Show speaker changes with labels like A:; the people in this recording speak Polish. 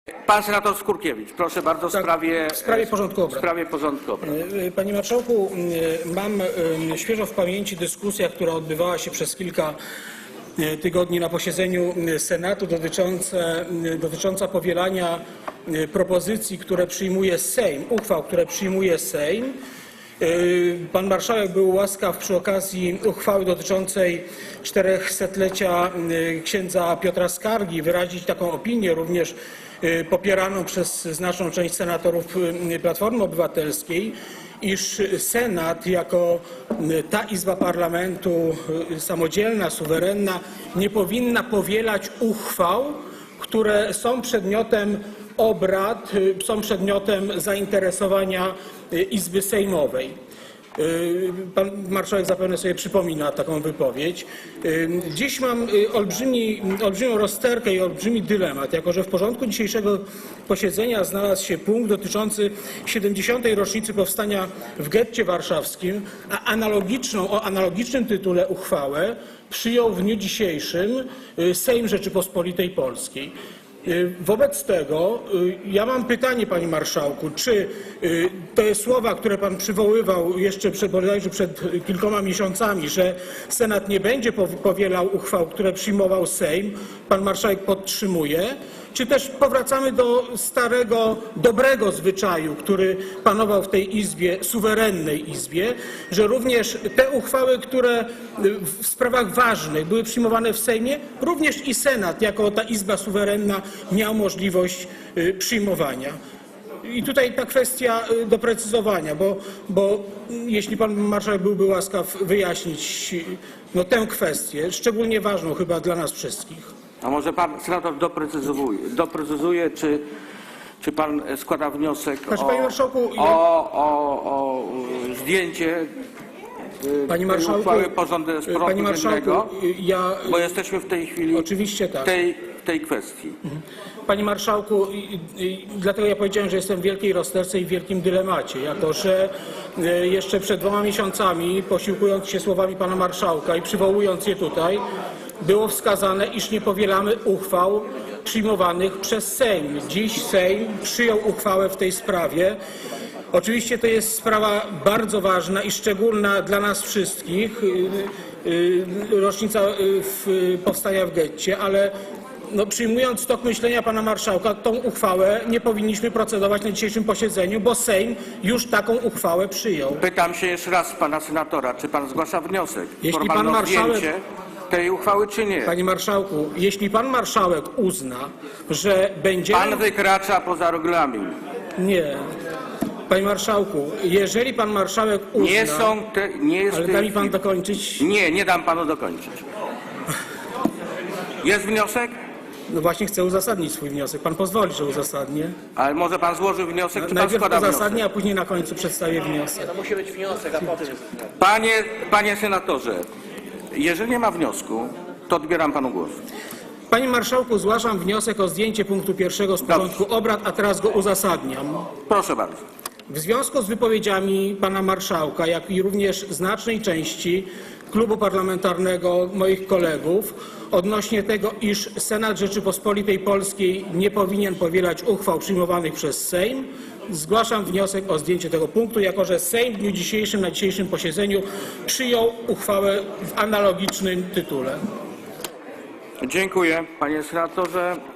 A: Pan senator Skurkiewicz, proszę bardzo, w sprawie
B: porządku obrad.
A: W sprawie porządku obrad.
B: Panie marszałku, mam świeżo w pamięci dyskusja, która odbywała się przez kilka tygodni na posiedzeniu Senatu dotycząca powielania propozycji, które przyjmuje Sejm, uchwał, które przyjmuje Sejm. Pan marszałek był łaskaw przy okazji uchwały dotyczącej 400-lecia księdza Piotra Skargi wyrazić taką opinię, również popieraną przez znaczną część senatorów Platformy Obywatelskiej, iż Senat jako ta izba parlamentu samodzielna, suwerenna nie powinna powielać uchwał, które są przedmiotem obrad, są przedmiotem zainteresowania Izby Sejmowej. Pan marszałek zapewne sobie przypomina taką wypowiedź. Dziś mam olbrzymią rozterkę i olbrzymi dylemat, jako że w porządku dzisiejszego posiedzenia znalazł się punkt dotyczący 70. rocznicy powstania w getcie warszawskim, a o analogicznym tytule uchwałę przyjął w dniu dzisiejszym Sejm Rzeczypospolitej Polskiej. Wobec tego ja mam pytanie, panie marszałku, czy te słowa, które pan przywoływał jeszcze bodajże przed kilkoma miesiącami, że Senat nie będzie powielał uchwał, które przyjmował Sejm, pan marszałek podtrzymuje, czy też powracamy do starego, dobrego zwyczaju, który panował w tej izbie, suwerennej izbie, że również te uchwały, które w sprawach ważnych były przyjmowane w Sejmie, również i Senat, jako ta izba suwerenna, miał możliwość przyjmowania. I tutaj ta kwestia doprecyzowania, bo jeśli pan marszałek byłby łaskaw wyjaśnić tę kwestię, szczególnie ważną chyba dla nas wszystkich.
A: A może pan senator doprecyzuje, czy pan składa wniosek o zdjęcie
B: Panie
A: tej
B: marszałku,
A: uchwały porządku dziennego, bo jesteśmy w tej chwili
B: oczywiście tak.
A: w tej kwestii.
B: Panie marszałku, dlatego ja powiedziałem, że jestem w wielkiej rozterce i w wielkim dylemacie, jako że jeszcze przed 2 miesiącami, posiłkując się słowami pana marszałka i przywołując je tutaj, było wskazane, iż nie powielamy uchwał przyjmowanych przez Sejm. Dziś Sejm przyjął uchwałę w tej sprawie. Oczywiście to jest sprawa bardzo ważna i szczególna dla nas wszystkich, rocznica powstania w getcie, ale przyjmując tok myślenia pana marszałka, tą uchwałę nie powinniśmy procedować na dzisiejszym posiedzeniu, bo Sejm już taką uchwałę przyjął.
A: Pytam się jeszcze raz pana senatora, czy pan zgłasza wniosek?
B: Jeśli pan marszałek
A: tej uchwały, czy nie?
B: Panie marszałku, jeśli pan marszałek uzna, że będzie...
A: Pan wykracza poza regulamin.
B: Nie. Panie marszałku, jeżeli pan marszałek uzna...
A: Nie jest
B: ale da mi pan dokończyć?
A: Nie dam panu dokończyć. Jest wniosek?
B: No właśnie chcę uzasadnić swój wniosek. Pan pozwoli, że uzasadnię.
A: Ale może pan złoży wniosek, czy pan
B: najpierw
A: składa
B: uzasadnię,
A: wniosek?
B: a później na końcu przedstawię wniosek.
C: To musi być wniosek, a potem...
A: Panie senatorze, jeżeli nie ma wniosku, to odbieram panu głos.
B: Panie marszałku, zgłaszam wniosek o zdjęcie punktu 1 z porządku obrad, a teraz go uzasadniam.
A: Proszę bardzo.
B: W związku z wypowiedziami pana marszałka, jak i również znacznej części klubu parlamentarnego moich kolegów odnośnie tego, iż Senat Rzeczypospolitej Polskiej nie powinien powielać uchwał przyjmowanych przez Sejm, zgłaszam wniosek o zdjęcie tego punktu, jako że Sejm w dniu dzisiejszym, na dzisiejszym posiedzeniu przyjął uchwałę w analogicznym tytule.
A: Dziękuję, panie senatorze.